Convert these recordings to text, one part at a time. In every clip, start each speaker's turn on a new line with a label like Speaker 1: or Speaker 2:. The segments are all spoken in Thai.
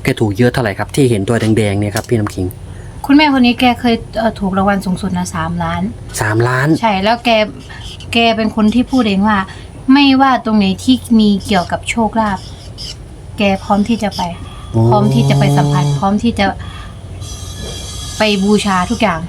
Speaker 1: แกถูกเยอะเท่าไหร่ครับที่เห็นตัวแดงๆเนี่ยครับพี่น้ำขิง
Speaker 2: คุณแม่คนนี้แกเคยถูกรางวัลสูงสุดนะ3 ล้าน
Speaker 1: 3 ล้าน
Speaker 2: ใช่แล้วแกเป็นคนที่พูดเองว่า ไม่ว่าตรงไหนที่มีเกี่ยวกับโชคลาภแกพร้อมที่จะไปพร้อมที่จะไปสัมผัสพร้อมที่จะไปบูชาทุกอย่าง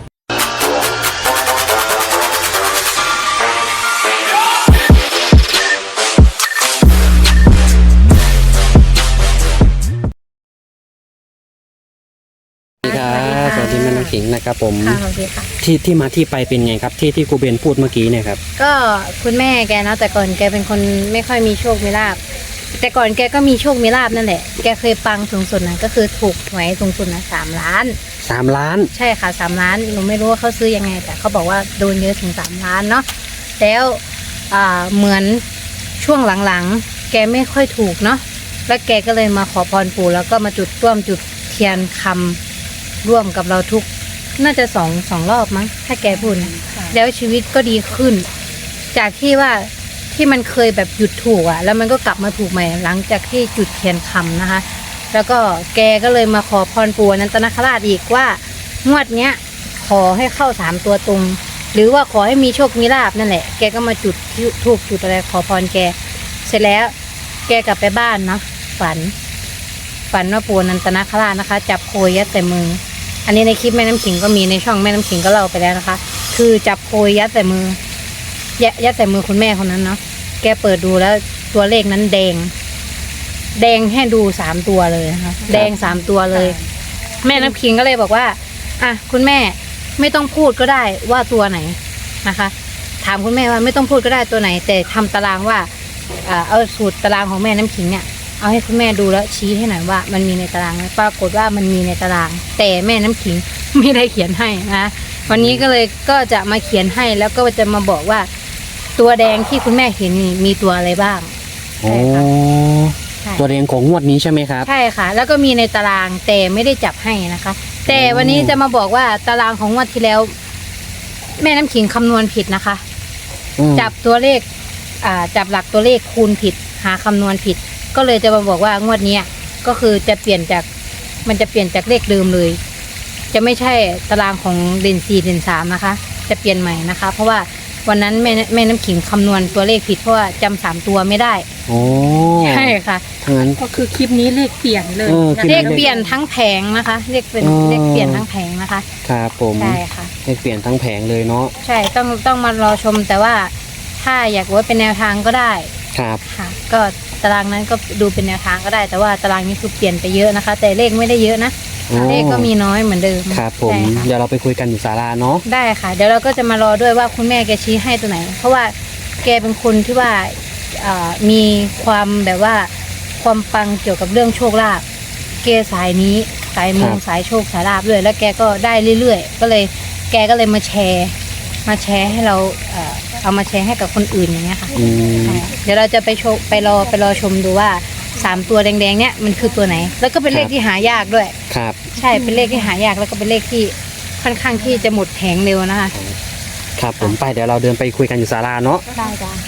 Speaker 1: สวัสดีแม่น้ำขิงนะครับผม
Speaker 2: ค่ะสวัสดีค่ะ
Speaker 1: ที่มาที่ไปเป็นไงครับที่ครูเบนพูดเมื่อกี้เนี่ยครับ
Speaker 2: ก็คุณแม่แกนะแต่ก่อนแกเป็นคนไม่ค่อยมีโชคมีลาภแต่ก่อนแกก็มีโชคมีลาภนั่นแหละแกเคยปังสูงสุดนะก็คือถูกหวยสูงสุดนะ3 ล้าน
Speaker 1: 3 ล้าน
Speaker 2: ใช่ค่ะ3 ล้านหนูไม่รู้ว่าเขาซื้อยังไงแต่เขาบอกว่าโดนเยอะถึง3 ล้านเนาะแล้วเหมือนช่วงหลังๆแกไม่ค่อยถูกเนาะแล้วแกก็เลยมาขอพรปู่แล้วก็มาจุดเทียนคำร่วมกับเราทุกน่าจะสองรอบมั้งถ้าแกพูดนะแล้วชีวิตก็ดีขึ้น จากที่ว่าที่มันเคยแบบหยุดถูกอ่ะแล้วมันก็กลับมาถูกใหม่หลังจากที่จุดเทียนคำนะคะแล้วก็แกก็เลยมาขอพรปู่อนันตนาคราชอีกว่างวดเนี้ยขอให้เข้า3 ตัวตรงหรือว่าขอให้มีโชคมีลาภนั่นแหละแกก็มาจุดทูบจุดอะไรขอพรแกเสร็จแล้วแกกลับไปบ้านเนาะฝันว่าปู่อนันตนาคราชนะคะจับโคยยัดแต่มืออันนี้ในคลิปแม่น้ำขิงก็มีในช่องแม่น้ำขิงก็เล่าไปแล้วนะคะคือจับโคยยัดแต่มือยัดแต่มือคุณแม่คนนั้นเนาะแกเปิดดูแล้วตัวเลขนั้นแดงให้ดู3 ตัวเลยนะคะแดง3 ตัวเลยแม่น้ำขิงก็เลยบอกว่าอ่ะคุณแม่ไม่ต้องพูดก็ได้ว่าตัวไหนนะคะถามคุณแม่ว่าไม่ต้องพูดก็ได้ตัวไหนแต่ทำตารางว่าเอาสูตรตารางของแม่น้ำขิงเนี่ยเอาให้คุณแม่ดูแล้วชี้ให้หน่อยว่ามันมีในตารางไหมปรากฏว่ามันมีในตารางแต่แม่น้ำขิงไม่ได้เขียนให้นะวันนี้ก็จะมาเขียนให้แล้วก็จะมาบอกว่าตัวแดงที่คุณแม่เห็นนี่มีตัวอะไรบ้าง
Speaker 1: โอ้ตัวแดงของงวดนี้ใช่ไหมครับ
Speaker 2: ใช่ค่ะแล้วก็มีในตารางแต่ไม่ได้จับให้นะคะแต่วันนี้จะมาบอกว่าตารางของงวดที่แล้วแม่น้ำขิงคำนวณผิดนะคะจับตัวเลขจับหลักตัวเลขคูณผิดหาคำนวณผิดก็เลยจะมาบอกว่างวดนี้ก็คือจะเปลี่ยนจากเลขเดิมเลยจะไม่ใช่ตารางของเด่น4เด่น3นะคะจะเปลี่ยนใหม่นะคะเพราะว่าวันนั้นแม่น้ำขิงคำนวณตัวเลขผิดเพราะว่าจำ3 ตัวไม่ได้
Speaker 1: โอ้
Speaker 2: ใช่ค่ะ
Speaker 1: งั้น
Speaker 3: ก็คือคลิปนี้เลขเปลี่ยนเลย
Speaker 2: เลขเปลี่ยนทั้งแผงนะคะเลขเปลี่ยนทั้งแผงนะคะ
Speaker 1: ครับผม
Speaker 2: ใช่ค่ะ
Speaker 1: เลขเปลี่ยนทั้งแผงเลยเนาะ
Speaker 2: ใช่ต้องมารอชมแต่ว่าถ้าอยากว่าเป็นแนวทางก็ได้
Speaker 1: ครับ
Speaker 2: ค่ะก็ตารางนั้นก็ดูเป็นแนวทางก็ได้แต่ว่าตารางนี้คือเปลี่ยนไปเยอะนะคะแต่เลขไม่ได้เยอะนะเลขก็มีน้อยเหมือนเดิม
Speaker 1: ครับผมเดี๋ยวเราไปคุยกันอยู่ศาลาเนาะ
Speaker 2: ได้ค่ะเดี๋ยวเราก็จะมารอด้วยว่าคุณแม่แกชี้ให้ตัวไหนเพราะว่าแกเป็นคนที่ว่ามีความแบบว่าความปังเกี่ยวกับเรื่องโชคลาภแกสายนี้สายมูสายโชคสายลาภด้วยแล้วแกก็ได้เรื่อยๆก็เลยแกก็เลยมาแชร์ให้เราเอามาแชร์ให้กับคนอื่นอย่างเงี้ยค่ะเดี๋ยวเราจะไปรอชมดูว่า3 ตัวแดงๆเนี่ยมันคือตัวไหนแล้วก็เป็นเลขที่หายากด้วย
Speaker 1: ครับ
Speaker 2: ใช่เป็นเลขที่หายากแล้วก็เป็นเลขที่ค่อนข้างที่จะหมดแผงเร็วนะคะ
Speaker 1: ครับผมไปเดี๋ยวเราเดินไปคุยกันอยู่ศาลาเนาะ
Speaker 2: ได้จ้ะ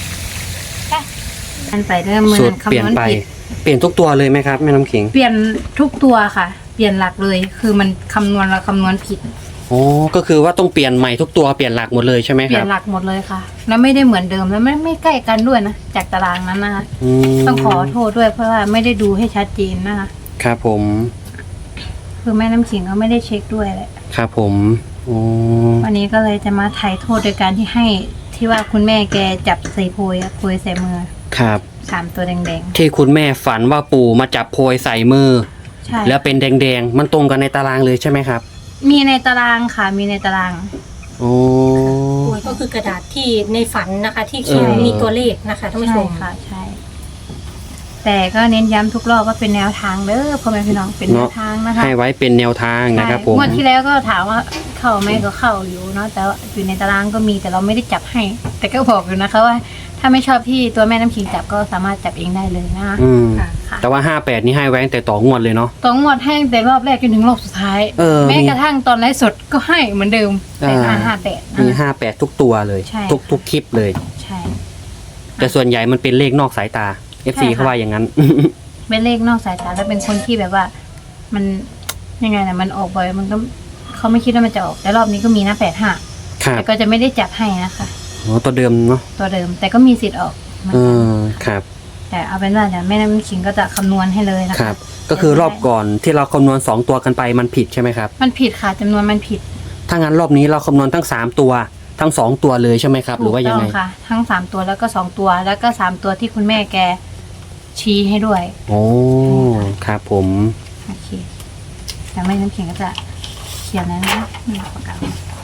Speaker 2: มันไปเริ่มมือคำนวณผิด
Speaker 1: เปลี่ยนทุกตัวเลยไหมครับแม่น้ำขิง
Speaker 2: เปลี่ยนทุกตัวค่ะเปลี่ยนหลักเลยคือมันคำนวณผิด
Speaker 1: โอ้ก็คือว่าต้องเปลี่ยนใหม่ทุกตัวเปลี่ยนหลักหมดเลยใช่ไหมครับ
Speaker 2: เปลี่ยนหลักหมดเลยค่ะแล้วไม่ได้เหมือนเดิมแล้วไม่ใกล้กันด้วยนะจากตารางนั้นนะคะต้องขอโทษด้วยเพราะว่าไม่ได้ดูให้ชัดเจนนะคะ
Speaker 1: ครับผม
Speaker 2: คือแม่น้ำขิงก็ไม่ได้เช็คด้วยแหละ
Speaker 1: ครับผมโอ้
Speaker 2: วันนี้ก็เลยจะมาไถ่โทษโดยการที่ให้ที่ว่าคุณแม่แกจับใส่โพยใส่มือ
Speaker 1: ครับ
Speaker 2: 3 ตัวแดง
Speaker 1: ๆที่คุณแม่ฝันว่าปู่มาจับโพยใส่มือ
Speaker 2: ใช่
Speaker 1: แล้วเป็นแดงๆมันตรงกันในตารางเลยใช่ไหมครับ
Speaker 2: มีในตารางค่ะมีในตาราง
Speaker 1: โอ้
Speaker 3: ก็คือกระดาษที่ในฝันนะคะที่เขียนมีตัวเลขนะคะท่านผู้ชม
Speaker 2: ค่ะใช่แต่ก็เน้นย้ำทุกรอบว่าเป็นแนวทางเด้อพ่อแม่พี่น้องเป็นแนวทางนะคะ
Speaker 1: ให้ไว้เป็นแนวทางนะครับผม
Speaker 2: งวดที่แล้วก็ถามว่าเข้าไหมก็เข้าอยู่เนาะแต่ว่าอยู่ในตารางก็มีแต่เราไม่ได้จับให้แต่ก็บอกอยู่นะคะว่าถ้าไม่ชอบที่ตัวแม่น้ำขิงจับก็สามารถจับเองได้เลยนะคะ
Speaker 1: แต่ว่า58นี่ให้ไว้ตั้งแต่ต่องวดเลยเนาะ
Speaker 2: ต่องวดให้แต่รอบแรกจนถึงรอบสุดท้ายแม้กระทั่งตอนไลฟ์สดก็ให้เหมือนเดิมแต่58
Speaker 1: มี58ทุกตัวเลยทุกคลิปเลย
Speaker 2: ใช่
Speaker 1: แต่ส่วนใหญ่มันเป็นเลขนอกสายตา FC เขาว่าอย่างนั้น
Speaker 2: เป็นเลขนอกสายตาแล้วเป็นคนที่แบบว่า มันยังไงนะมันออกบ่อยมันก็เขาไม่คิดว่ามันจะออกแต่รอบนี้ก็มีนะ85
Speaker 1: ครับ
Speaker 2: แต่ก็จะไม่ได้จับให้นะคะ
Speaker 1: อ๋อตัวเดิมเนาะ
Speaker 2: ตัวเดิมแต่ก็มีสิทธิ์ออกเหมือน
Speaker 1: เอ
Speaker 2: กัน
Speaker 1: อครับ
Speaker 2: แต่เอาเป็นว่าเดี๋ยวแม่น้ำขิงก็จะคำนวณให้เลยนะ
Speaker 1: ครั
Speaker 2: คะ
Speaker 1: บ ก็คือรอบก่อนที่เราคำนวณ2ตัวกันไปมันผิดใช่ไหมครับ
Speaker 2: มันผิดค่ะจำนวนมันผิด
Speaker 1: ถ้างั้นรอบนี้เราคำนวณทั้ง3ตัวทั้ง2ตัวเลยใช่ไหมครับ หรือว่ายังไง
Speaker 2: ถูกต้องค่ะ ทั้ง3ตัวแล้วก็2ตัวแล้วก็3ตัวที่คุณแม่แกชี้ให้ด้วย
Speaker 1: โอ้ครับผม
Speaker 2: โอเคแต่แม่น้ำขิงก็จะเขียนแล้วนะคะนี่ปากกา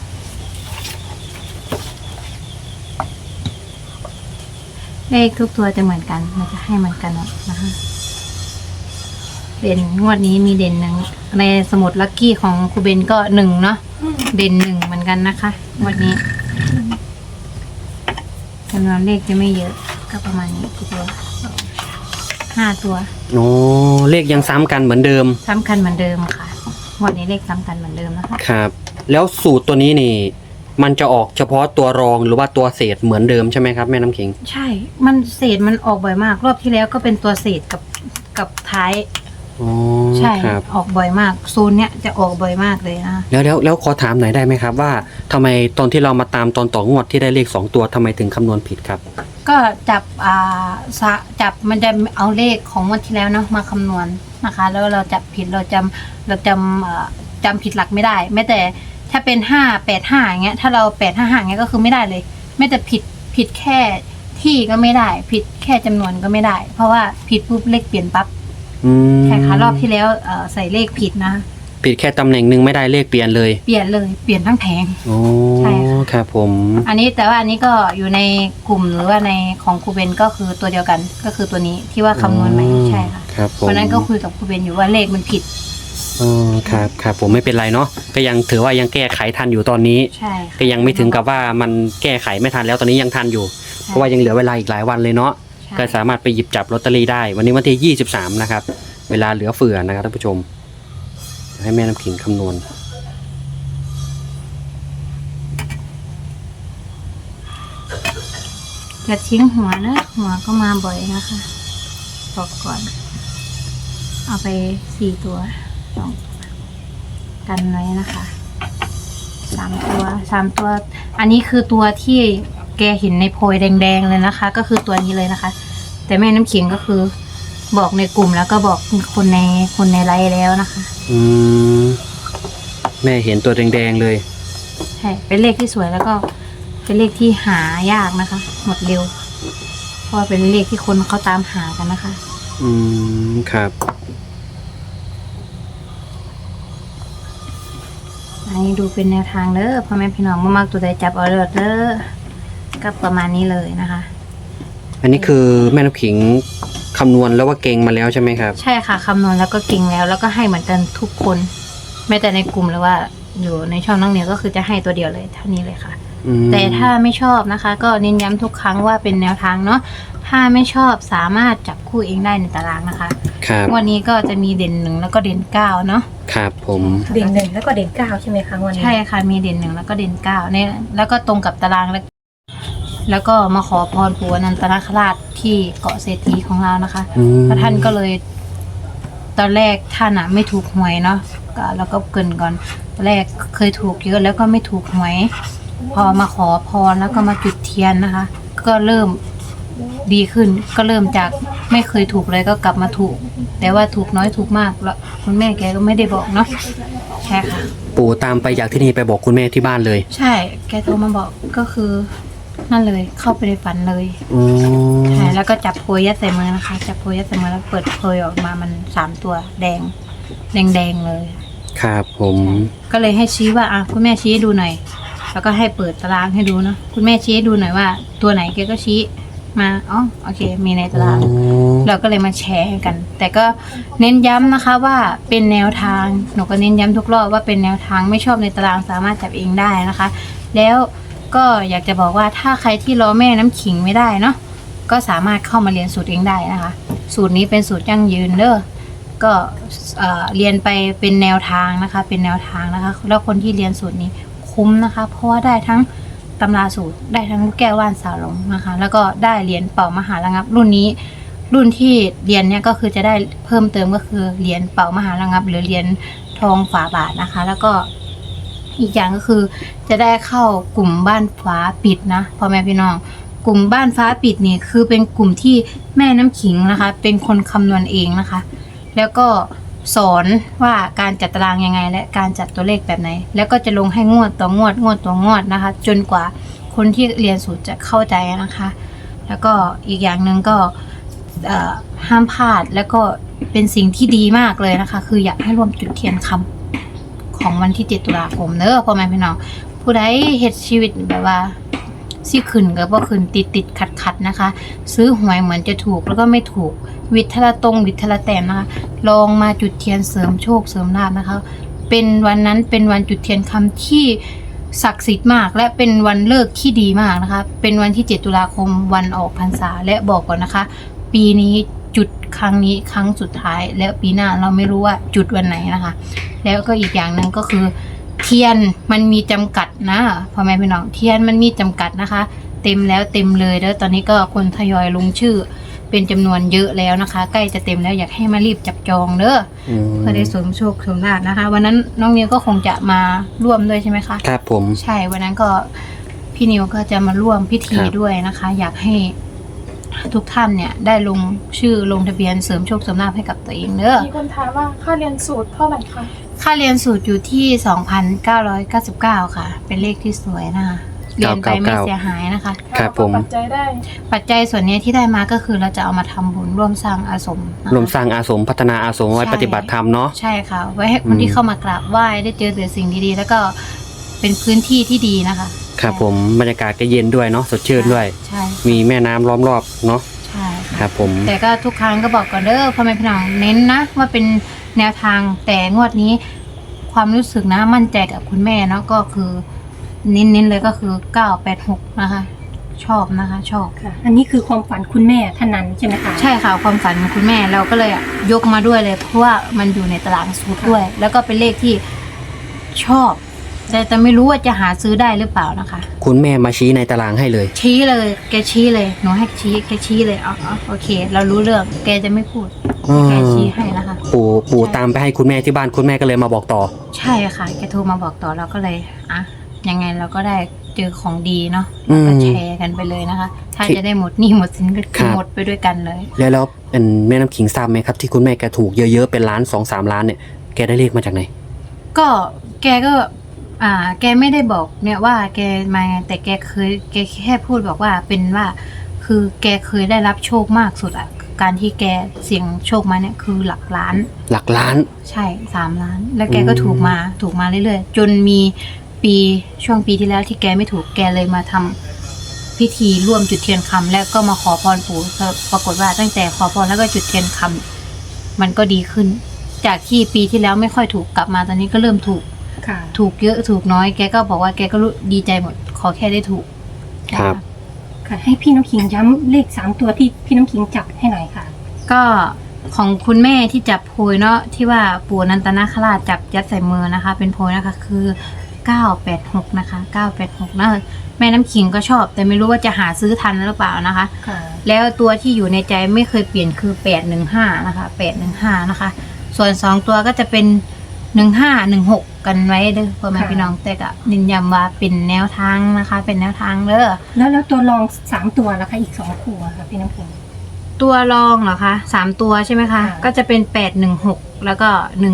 Speaker 2: เลขทุกตัวจะเหมือนกันมันจะให้เหมือนกันหมดนะคะเด่นงวดนี้มีเด่นหนึ่งในสมุดลัคกี้ของครูเบนก็1เนาะเด่น1เหมือนกันนะคะงวดนี้จำนวนเลขจะไม่เยอะก็ประมาณนี้กี่ตัว5ตัว
Speaker 1: โอ้เลขยังซ้ำกันเหมือนเดิม
Speaker 2: ซ้ำกันเหมือนเดิมค่ะงวดนี้เลขซ้ำกันเหมือนเดิมนะคะ
Speaker 1: ครับ แล้วสูตรตัวนี้นี่ มันจะออกเฉพาะตัวรองหรือว่าตัวเศษเหมือนเดิมใช่ไหมครับแม่น้ำขิง
Speaker 2: ใช่ มันเศษมันออกบ่อยมาก รอบที่แล้วก็เป็นตัวเศษกับท้าย
Speaker 1: อ๋อ
Speaker 2: ใช่
Speaker 1: ครับ
Speaker 2: ออกบ่อยมากโซนเนี้ยจะออกบ่อยมากเลยนะ
Speaker 1: แล้วขอถามหน่อยได้ไหมครับว่าทำไมตอนที่เรามาตามตอนต่องวดที่ได้เลข2ตัวทำไมถึงคำนวณผิดครับ
Speaker 2: ก็จับจับมันจะเอาเลขของวันที่แล้วเนาะมาคำนวณนะคะ แล้วเราจับผิดเราจำผิดหลักไม่ได้แม้แต่ถ้าเป็น585อย่างเงี้ยถ้าเรา855อย่างเงี้ยก็คือไม่ได้เลยไม่แต่ผิดแค่ที่ก็ไม่ได้ผิดแค่จำนวนก็ไม่ได้ เพราะว่าผิดปุ๊บเลขเปลี่ยนปั๊บ
Speaker 1: อืม
Speaker 2: ใช่ค่ะรอบที่แล้วใส่เลขผิดนะ
Speaker 1: ผิดแค่ตำแหน่งหนึ่งไม่ได้เลขเปลี่ยนเลย
Speaker 2: เปลี่ยนเลยเปลี่ยนทั้งแผง
Speaker 1: โอ้
Speaker 2: ใช่ค่ะ
Speaker 1: ครับผม
Speaker 2: อันนี้แต่ว่าอันนี้ก็อยู่ในกลุ่มหรือว่าในของครูเบนก็คือตัวเดียวกันก็คือตัวนี้ที่ว่าคำนวณใหม่ใช่ค่ะ
Speaker 1: ครับผม
Speaker 2: วันนั้นก็คุยกับครูเบนอยู่ว่าเลขมันผิด
Speaker 1: อ๋อครับผมไม่เป็นไรเนาะก็ยังถือว่ายังแก้ไขทันอยู่ตอนนี้
Speaker 2: ใช่ค่ะ
Speaker 1: ก็ยังไม่ถึงกับว่ามันแก้ไขไม่ทันแล้วตอนนี้ยังทันอยู่ เพราะว่ายังเหลือเวลาอีกหลายวันเลยเนาะ
Speaker 2: ใช่
Speaker 1: ก็สามารถไปหยิบจับลอตเตอรี่ได้ วันนี้วันที่23นะครับเวลาเหลือเฟือนะครับท่านผู้ชมให้แม่น้ำขิงคำนวณ
Speaker 2: จะทิ้งหัวนะหัวก็มาบ่อยนะคะบอกก่อน เอาไป4ตัว2กันไว้นะคะ3ตัวอันนี้คือตัวที่แกเห็นในโพยแดงๆเลยนะคะ ก็คือตัวนี้เลยนะคะ แต่แม่น้ำขิงก็คือบอกในกลุ่มแล้วก็บอกคนในไลฟ์แล้วนะคะ
Speaker 1: อืมแม่เห็นตัวแดงๆเลย
Speaker 2: ใช่เป็นเลขที่สวยแล้วก็เป็นเลขที่หายากนะคะ หมดเร็ว เพราะว่าเป็นเลขที่คนเขาตามหากันนะคะ
Speaker 1: อืมครับ
Speaker 2: อันนี้ดูเป็นแนวทางเด้อพ่อแม่พี่น้องมากๆตัวใดจับเอาเด้อก็ประมาณนี้เลยนะคะ
Speaker 1: อันนี้คือแม่น้ำขิงคำนวณแล้วว่าเก่งมาแล้วใช่ไหมครับ
Speaker 2: ใช่ค่ะคำนวณแล้วก็เก่งแล้วก็ให้เหมือนกันทุกคนแม้แต่ในกลุ่มหรือว่าอยู่ในช่องน้องเหนียวก็คือจะให้ตัวเดียวเลยเท่านี้เลยค่ะ
Speaker 1: อืม
Speaker 2: แต่ถ้าไม่ชอบนะคะ ก็เน้นย้ำทุกครั้งว่าเป็นแนวทางเนาะถ้าไม่ชอบสามารถจับคู่เองได้ในตารางนะคะ
Speaker 1: ครับ
Speaker 2: วันนี้ก็จะมีเด่น1แล้วก็เด่น9เนาะ
Speaker 1: ครับผม
Speaker 3: เด่น1แล้วก็เด่น9ใช่ไหมคะวันนี้
Speaker 2: ใช่ค่ะมีเด่น1แล้วก็เด่น9เนี่ยแล้วก็ตรงกับตารางแล้วก็มาขอพรปู่อนันตนาคราชที่เกาะเศรษฐีของเรานะคะ
Speaker 1: อืม
Speaker 2: พระท่านก็เลย ตอนแรกท่านอะไม่ถูกหวยเนาะก็แล้วก็เกรินก่อนตอนแรกเคยถูกเยอะแล้วก็ไม่ถูกหวย พอมาขอพรแล้วก็มาจุดเทียนนะคะ ก็เริ่มดีขึ้น ก็เริ่มจากไม่เคยถูกเลยก็กลับมาถูก แต่ว่าถูกน้อยถูกมากแล้วคุณแม่แกก็ไม่ได้บอกเนาะใช่ค่ะ
Speaker 1: ปู่ตามไปจากที่นี่ไปบอกคุณแม่ที่บ้านเลย
Speaker 2: ใช่ แกโทรมาบอกก็คือ นั่นเลยเข้าไปในฝันเลย
Speaker 1: อ๋อ
Speaker 2: ใช่แล้วก็จับโพยยัดใส่มือนะคะ จับโพยยัดใส่มือแล้วเปิดโพยออกมามัน3ตัวแดงเลย
Speaker 1: ครับผม
Speaker 2: ก็เลยให้ชี้ว่าคุณแม่ชี้ให้ดูหน่อย แล้วก็ให้เปิดตารางให้ดูเนาะคุณแม่ชี้ให้ดูหน่อยว่า ตัวไหนแกก็ชี้มาอ๋อโอเค มีในตาราง
Speaker 1: อ๋อ
Speaker 2: เราก็เลยมาแชร์กัน แต่ก็เน้นย้ำนะคะว่าเป็นแนวทางหนูก็เน้นย้ำทุกรอบว่าเป็นแนวทางไม่ชอบในตารางสามารถจับเองได้นะคะ แล้วก็อยากจะบอกว่าถ้าใครที่รอแม่น้ำขิงไม่ได้เนาะก็สามารถเข้ามาเรียนสูตรเองได้นะคะ สูตรนี้เป็นสูตรยั่งยืนเด้อก็เรียนไปเป็นแนวทางนะคะ เป็นแนวทางนะคะ แล้วคนที่เรียนสูตรนี้คุ้มนะคะ เพราะว่าได้ทั้งตำราสูตรได้ทั้งลูกแก้วว่านสาวหลงนะคะ แล้วก็ได้เหรียญเป่ามหาระงับรุ่นนี้รุ่นที่เรียนเนี่ยก็คือจะได้เพิ่มเติมก็คือเหรียญเป่ามหาระงับ หรือเหรียญทองฝาบาทนะคะ แล้วก็อีกอย่างก็คือจะได้เข้ากลุ่มบ้านฟ้าปิดนะพ่อแม่พี่น้องกลุ่มบ้านฟ้าปิดนี่คือเป็นกลุ่มที่แม่น้ำขิงนะคะ เป็นคนคำนวณเองนะคะ แล้วก็สอนว่าการจัดตารางยังไงและการจัดตัวเลขแบบไหน แล้วก็จะลงให้งวดต่องวดงวดต่องวดนะคะ จนกว่าคนที่เรียนสูตรจะเข้าใจนะคะ แล้วก็อีกอย่างหนึ่งก็ห้ามพลาดแล้วก็เป็นสิ่งที่ดีมากเลยนะคะ คืออยากให้ร่วมจุดเทียนคำของวันที่7 ตุลาคมเนอะพ่อแม่พี่น้องผู้ใดเฮ็ดชีวิตแบบว่าซี่ขึ้นกับว่าขึ้นติดขัดนะคะ ซื้อหวยเหมือนจะถูกแล้วก็ไม่ถูกวิทละตรงวิทละแต้มนะคะลองมาจุดเทียนเสริมโชคเสริมลาภนะคะ เป็นวันนั้นเป็นวันจุดเทียนคำที่ศักดิ์สิทธิ์มากและเป็นวันเลิกที่ดีมากนะคะเป็นวันที่7 ตุลาคมวันออกพรรษาและบอกก่อนนะคะปีนี้จุดครั้งนี้ครั้งสุดท้ายแล้วปีหน้าเราไม่รู้ว่าจุดวันไหนนะคะแล้วก็อีกอย่างหนึ่งก็คือเทียนมันมีจำกัดนะพ่อแม่พี่น้องเทียนมันมีจำกัดนะคะเต็มแล้วเต็มเลยแล้วตอนนี้ก็คนทยอยลงชื่อเป็นจำนวนเยอะแล้วนะคะใกล้จะเต็มแล้วอยากให้มารีบจับจองเด้อเพื่อได้เสริมโชคเสริมลาภนะคะวันนั้นน้องนิวก็คงจะมาร่วมด้วยใช่ไหมคะ
Speaker 1: ครับผม
Speaker 2: ใช่วันนั้นก็พี่นิวก็จะมาร่วมพิธีด้วยนะคะ อยากให้ทุกท่านเนี่ยได้ลงชื่อลงทะเบียนเสริมโชคเสริมลาภให้กับตัวเองเด้อ
Speaker 4: มีคนถามว่าค่าเรียนสูตรเท่าไหร่คะ
Speaker 2: ค่าเรียนสูตรอยู่ที่ 2,999 ค่ะเป็นเลขที่สวยนะคะเรียนไปไม่เสียหายนะคะ
Speaker 1: ครับผม
Speaker 4: ปัจจัยได้
Speaker 2: ปัจจัยส่วนนี้ที่ได้มาก็คือเราจะเอามาทำบุญร่วมสร้างอาสม
Speaker 1: ร่วมสร้างอาสมพัฒนาอาสมไว้ปฏิบัติธรรมเนาะ
Speaker 2: ใช่ค่ะไว้ให้คนที่เข้ามากราบไหว้ได้เจอแต่สิ่งดีๆแล้วก็เป็นพื้นที่ที่ดีนะคะ
Speaker 1: ครับผมบรรยากาศก็เย็นด้วยเนาะสดชื่นด้วย
Speaker 2: ใช่
Speaker 1: มีแม่น้ำล้อมรอบเนาะ
Speaker 2: ใช่
Speaker 1: ครับผม
Speaker 2: แต่ก็ทุกครั้งก็บอกก่อนเด้อพ่อแม่พี่น้องเน้นนะว่าเป็นแนวทางแต่งวดนี้ความรู้สึกนะมั่นใจกับคุณแม่เนาะก็คือเน้นเลยก็คือ986นะคะชอบนะคะชอบ
Speaker 3: ค่ะอันนี้คือความฝันคุณแม่ท่านนั้นใช่ไหมคะ
Speaker 2: ใช่ค่ะความฝันของคุณแม่เราก็เลยยกมาด้วยเลยเพราะว่ามันอยู่ในตารางสูตรด้วยแล้วก็เป็นเลขที่ชอบแต่ไม่รู้ว่าจะหาซื้อได้หรือเปล่านะคะ
Speaker 1: คุณแม่มาชี้ในตารางให้เลย
Speaker 2: ชี้เลยแกชี้เลยหนูให้ชี้แกชี้เลยโอเคเรารู้เรื่องแกจะไม่พูดแกชี้ให้นะคะ
Speaker 1: ปู่ตามไปให้คุณแม่ที่บ้านคุณแม่ก็เลยมาบอกต่อ
Speaker 2: ใช่ค่ะแกโทรมาบอกต่อเราก็เลยยังไงเราก็ได้เจอของดีเนาะก็แชร์กันไปเลยนะคะถ้าจะได้หมดหนี้หมดสินก็หมดไปด้วยกันเลย
Speaker 1: แล้วเป็นแม่น้ำขิงทราบไหมครับที่คุณแม่แกถูกเยอะๆเป็นล้าน 2-3 ล้านเนี่ยแกได้เลขมาจากไหน
Speaker 2: ก็แกไม่ได้บอกเนี่ยว่าแกมาแต่แกแค่พูดบอกว่าเป็นว่าคือแกเคยได้รับโชคมากสุดการที่แกเสี่ยงโชคมาเนี่ยคือหลักล้านใช่3 ล้านแล้วแกก็ถูกมาเรื่อยๆจนมีช่วงปีที่แล้วที่แกไม่ถูกแกเลยมาทำพิธีร่วมจุดเทียนคำแล้วก็มาขอพรปู่ปรากฏว่าตั้งแต่ขอพรแล้วก็จุดเทียนคำมันก็ดีขึ้นจากที่ปีที่แล้วไม่ค่อยถูกกลับมาตอนนี้ก็เริ่มถูกเยอะถูกน้อยแกก็บอกว่าแกก็รู้ดีใจหมดขอแค่ได้ถูก
Speaker 1: ครับ
Speaker 3: ค่ะให้พี่น้ำขิงย้ำเลข3 ตัวที่พี่น้ำขิงจับให้หน่อยค่ะ
Speaker 2: ก็ของคุณแม่ที่จับโพยเนาะที่ว่าปู่นันตนาคราชจับยัดใส่มือนะคะเป็นโพยนะคะคือ986นะคะ986นะแม่น้ำขิงก็ชอบแต่ไม่รู้ว่าจะหาซื้อทันหรือเปล่านะคะแล้วตัวที่อยู่ในใจไม่เคยเปลี่ยนคือ815นะคะ815นะคะส่วน2ตัวก็จะเป็น1516กันไว้เด้อพ่อแม่พี่น้องแต่ก็นินย้ำว่าเป็นแนวทางนะคะเป็นแนวทางเด้อ
Speaker 3: แล้วตัวรอง3 ตัวแล้วคะอีก2 คู่ค่ะพี่น้ำขิง
Speaker 2: ตัวรองเหรอคะ3 ตัวใช่ไหมคะก็จะเป็น816แล้วก็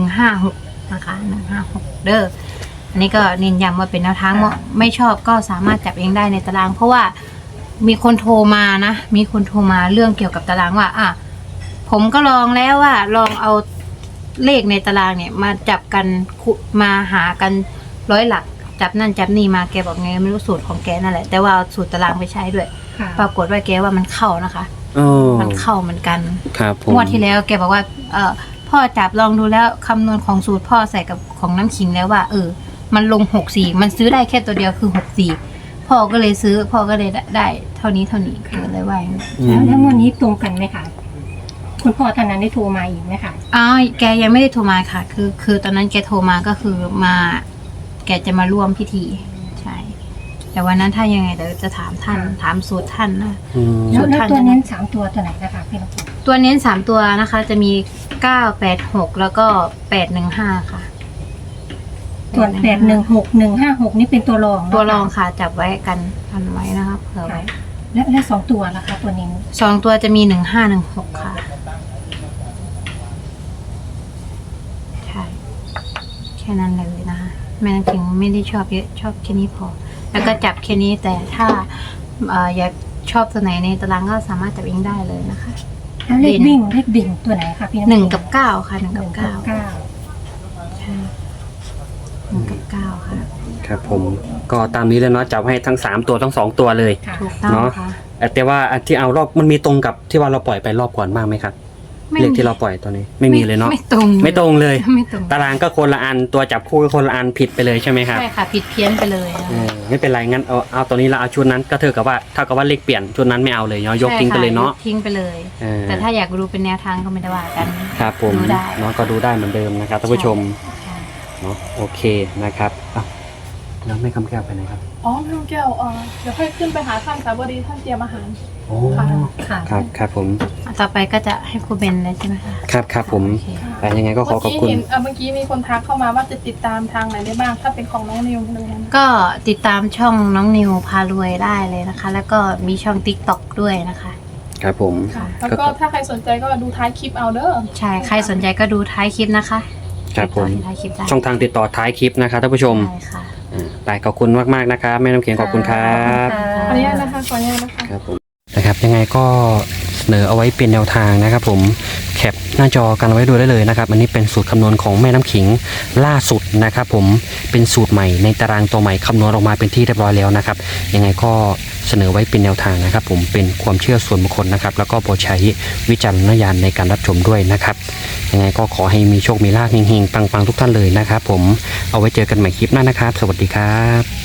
Speaker 2: 156นะคะ156เด้ออันนี้ก็เน้นย้ำว่าเป็นแนวทางไม่ชอบก็สามารถจับเองได้ในตารางเพราะว่ามีคนโทรมานะมีคนโทรมาเรื่องเกี่ยวกับตารางว่าผมก็ลองแล้วว่าลองเอาเลขในตารางเนี่ยมาจับกันมาหากัน100 หลักจับนั่นจับนี่มาแกบอกไงไม่รู้สูตรของแกนั่นแหละแต่ว่าสูตรตารางไปใช้ด้วยปรากฏว่าแกว่ามันเข้านะคะมันเข้าเหมือนกันงวดที่แล้วแกบอกว่าพ่อจับลองดูแล้วคำนวณของสูตรพ่อใส่กับของน้ำขิงแล้วว่ามันลง64มันซื้อได้แค่ตัวเดียวคือ64พ่อก็เลยซื้อพ่อก็เลยได้เท่านี้เกิดเลยว่า
Speaker 3: แล้วงวดนี้ตรงกันไหมคะคุณพ่อท่านนั้นได้โทรมาอีกไหมคะ
Speaker 2: แกยังไม่ได้โทรมาค่ะคือตอนนั้นแกโทรมาก็คือมาแกจะมาร่วมพิธีใช่แต่วันนั้นถ้ายังไงเดี๋ยวจะถามท่านถามสูตรท่านนะ
Speaker 3: แล้วตัวเน้น3 ตัวไหนนะคะพี่ลูก
Speaker 2: ตัตัวเน้น3ตัวนะคะ จะมี986แล้วก็815ค่ะ
Speaker 3: ส่วน816156นี่เป็นตัวรองนะคะ
Speaker 2: ตัวรองค่ะจับไว้กันไว้นะคะเผื่อไว้
Speaker 3: และสองตัวล่ะคะตัวนี้
Speaker 2: 2ตัวจะมี1516ค่ะใช่แค่นั้นเลยนะคะแม่น้ำขิงไม่ได้ชอบเยอะชอบแค่นี้พอ แล้วก็จับแค่นี้แต่ถ้าอยากชอบตัวไหนในตารางก็สามารถจับเองได้เลยนะคะ
Speaker 3: แล้วเลขดิ่งตัวไหนคะพี่น้ำ
Speaker 2: 1 กับ 9ค่ะ1 กับ 9 ใช่1 กับ 9 ค่ะ
Speaker 1: ครับผมก็ตามนี้เลยเนาะจับให้ทั้ง3ตัวทั้ง2ตัวเลย
Speaker 3: ค่ะ
Speaker 2: ถูกต้อง
Speaker 1: เนาะ
Speaker 2: ค่ะ
Speaker 1: แต่ว่าอันที่เอารอบมันมีตรงกับที่ว่าเราปล่อยไปรอบก่อนบ้างไหมครับเลขที่เราปล่อยตอนนี้ไม่มีเลยเนาะ
Speaker 2: ไม่ตรง
Speaker 1: ไม่ตรงเลย
Speaker 2: ไม่ตรง
Speaker 1: ตารางก็คนละอันตัวจับคู่ก็คนละอันผิดไปเลยใช่ไหมครับ
Speaker 2: ใช่ค่ะผิดเพี้ยนไปเลยนะ
Speaker 1: ไม่เป็นไรงั้นเอาตัวนี้เราเอาชุดนั้นก็เท่ากับว่าเลขเปลี่ยนชุดนั้นไม่เอาเลยเนาะยกทิ้งไปเลยเนาะ
Speaker 2: ใช่ค่ทิ้งไปเลย
Speaker 1: เออ
Speaker 2: แต่ถ้าอยากดูเป็นแนวทางก็ไม่ได้ว่ากัน
Speaker 1: ครับผม
Speaker 2: ดูได้
Speaker 1: เนาะก็ดูได้เหมือนเดิมนะครับท่านผู้ชม
Speaker 2: ใช่
Speaker 1: เนาะโอเคนะครับอ่ะแล้วแม่คำแก้วไปไหนครับ
Speaker 4: อ๋อพี่น้องแก้วเดี๋ยวค่อยขึ้นไปหาท่านสาบดีท่านเตรียมอาหาร
Speaker 1: โอ้
Speaker 4: ค่ะ
Speaker 1: ครับครับผม
Speaker 2: ต่อไปก็จะให้ครูเบนเลยใช่ไหมคะ
Speaker 1: ครับผม
Speaker 2: โอเค
Speaker 1: แต่ยังไงก็ขอขอบคุณ
Speaker 4: เมื่อกี้มีคนทักเข้ามาว่าจะติดตามทางไหนได้บ้าง ถ้าเป็นของน้องนิวเลยนะ
Speaker 2: ก็ติดตามช่องน้องนิวพารวยได้เลยนะคะ แล้วก็มีช่อง TikTok ด้วยนะคะ
Speaker 1: ครับผม
Speaker 4: ค่ะ แล้วก็ถ้าใครสนใจก็ดูท้ายคลิปเอาเด้อ
Speaker 2: ใช่ใครสนใจก็ดูท้ายคลิปนะคะ
Speaker 1: ครับผม
Speaker 2: ติดต่อที่ท้ายคลิปได้
Speaker 1: ช่องทางติดต่อท้ายคลิปนะครับท่านผู้ชม
Speaker 2: ใช่ค่ะ
Speaker 1: ไปขอบคุณมากๆนะครับแม่น้ำเขียงขอบคุณครับ
Speaker 4: ขออนุญาตนะคะ ขออนุญาตนะคะ
Speaker 1: ครับผมนะครับยังไงก็เสนอเอาไว้เป็นแนวทางนะครับผมแคปหน้าจอกันไว้ดูได้เลยนะครับอันนี้เป็นสูตรคำนวณของแม่น้ำขิงล่าสุดนะครับผมเป็นสูตรใหม่ในตารางตัวใหม่คำนวณออกมาเป็นที่เรียบร้อยแล้วนะครับยังไงก็เสนอไว้เป็นแนวทางนะครับผมเป็นความเชื่อส่วนบุคคลนะครับแล้วก็โปรดใช้วิจารณญาณในการรับชมด้วยนะครับยังไงก็ขอให้มีโชคมีลาภเฮงๆปังๆทุกท่านเลยนะครับผมเอาไว้เจอกันใหม่คลิปหน้านะครับสวัสดีครับ